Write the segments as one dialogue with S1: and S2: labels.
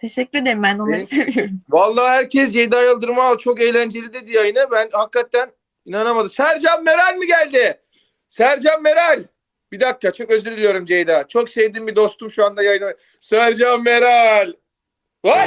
S1: Teşekkür ederim. Ben de onları
S2: Benim,
S1: seviyorum.
S2: vallahi herkes Ceyda Yıldırım al çok eğlenceli dedi yayını. Ben hakikaten inanamadım. Sercan Meral mi geldi? Sercan Meral. Bir dakika çok özür diliyorum Ceyda. Çok sevdiğim bir dostum şu anda yayını. Sercan Meral. Var.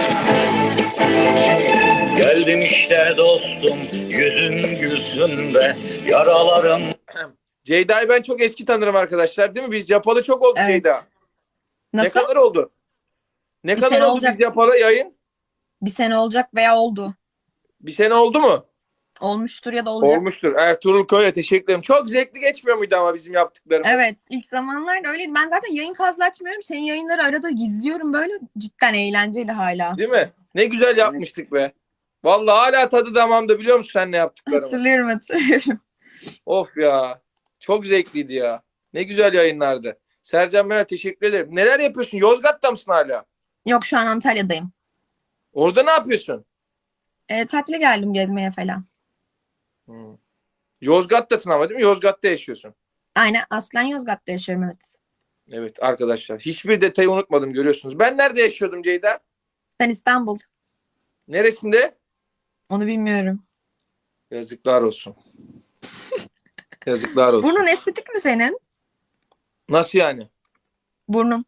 S3: Geldim işte dostum, yüzün gülsün be, yaralarım.
S2: Ceyda'yı ben çok eski tanırım arkadaşlar değil mi? Biz yapalı çok oldu
S1: Evet.
S2: Ceyda. Ne
S1: Nasıl?
S2: kadar oldu? Ne
S1: Bir
S2: kadar
S1: sene
S2: oldu
S1: olacak.
S2: biz yapalı yayın?
S1: Bir sene olacak veya oldu.
S2: Bir sene oldu mu?
S1: Olmuştur ya da olacak.
S2: Olmuştur. Ertuğrul Koy'a teşekkür ederim. Çok zevkli geçmiyor muydu ama bizim yaptıklarımız?
S1: Evet. İlk zamanlarda öyleydi. Ben zaten yayın fazla açmıyorum. Senin yayınları arada gizliyorum böyle. Cidden eğlenceli hala.
S2: Değil mi? Ne güzel yapmıştık be. Vallahi hala tadı damağımda biliyor musun sen ne yaptıklarımı?
S1: Hatırlıyorum.
S2: Of ya. Çok zevkliydi ya. Ne güzel yayınlardı. Sercan Meral teşekkür ederim. Neler yapıyorsun? Yozgat'ta mısın hala?
S1: Yok, şu an Antalya'dayım.
S2: Orada ne yapıyorsun?
S1: Tatile geldim gezmeye falan.
S2: Hmm. Yozgat'tasın ama değil mi? Yozgat'ta yaşıyorsun.
S1: Aynen, aslen Yozgat'ta yaşıyorum, evet.
S2: Evet arkadaşlar. Hiçbir detayı unutmadım görüyorsunuz. Ben nerede yaşıyordum Ceyda?
S1: Sen İstanbul.
S2: Neresinde?
S1: Onu bilmiyorum.
S2: Yazıklar olsun. Yazıklar olsun.
S1: Burnun estetik mi senin?
S2: Nasıl yani?
S1: Burnun.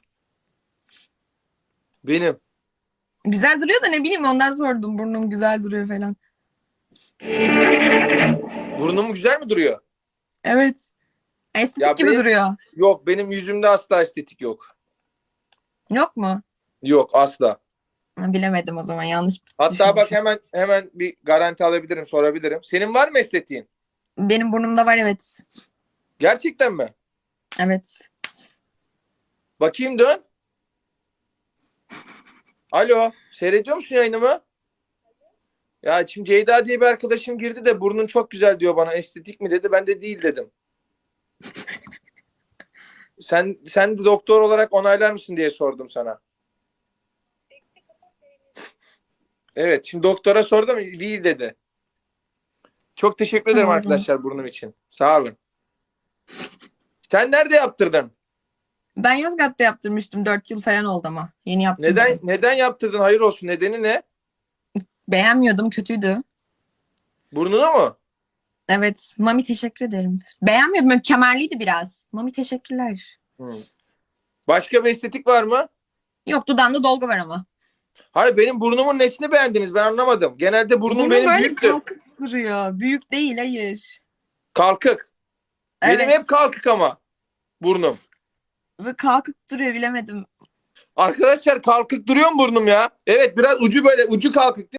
S2: Benim.
S1: Güzel duruyor da ne bileyim, ondan sordum. Burnum güzel duruyor falan.
S2: Burnum güzel mi duruyor?
S1: Evet. Estetik
S2: Ya
S1: gibi
S2: benim-
S1: duruyor.
S2: Yok benim yüzümde asla estetik yok.
S1: Yok mu?
S2: Yok asla.
S1: Ha, bilemedim o zaman, yanlış
S2: Hatta bak
S1: düşünmüşüm.
S2: hemen bir garanti alabilirim, sorabilirim. Senin var mı estetiğin?
S1: Benim burnumda var, evet.
S2: Gerçekten mi?
S1: Evet.
S2: Bakayım dön. Alo, seyrediyor musun yayınımı? Ya şimdi Ceyda diye bir arkadaşım girdi de burnun çok güzel diyor bana. Estetik mi dedi. Ben de değil dedim. Sen de doktor olarak onaylar mısın diye sordum sana. Evet, şimdi doktora sordum değil dedi. Çok teşekkür ederim
S1: Tamam.
S2: arkadaşlar burnum için. Sağ olun. Sen nerede yaptırdın?
S1: Ben Yozgat'ta yaptırmıştım. 4 yıl falan oldu ama. Yeni yaptırmadım.
S2: Neden yaptırdın? Hayır olsun. Nedeni ne?
S1: Beğenmiyordum. Kötüydü.
S2: Burnunu mu?
S1: Evet. Mami, teşekkür ederim. Beğenmiyordum. Böyle kemerliydi biraz. Mami, teşekkürler.
S2: Hı. Başka bir estetik var mı?
S1: Yok, dudağımda dolgu var ama.
S2: Hayır benim burnumun nesini beğendiniz ben anlamadım. Genelde burnum
S1: Burnum
S2: benim
S1: böyle
S2: büyüktür.
S1: kalkık duruyor. Büyük değil, hayır.
S2: Kalkık.
S1: Evet.
S2: Benim hep kalkık ama burnum.
S1: Ve kalkık duruyor, bilemedim.
S2: Arkadaşlar kalkık duruyor mu burnum ya? Evet biraz ucu böyle ucu kalkık değil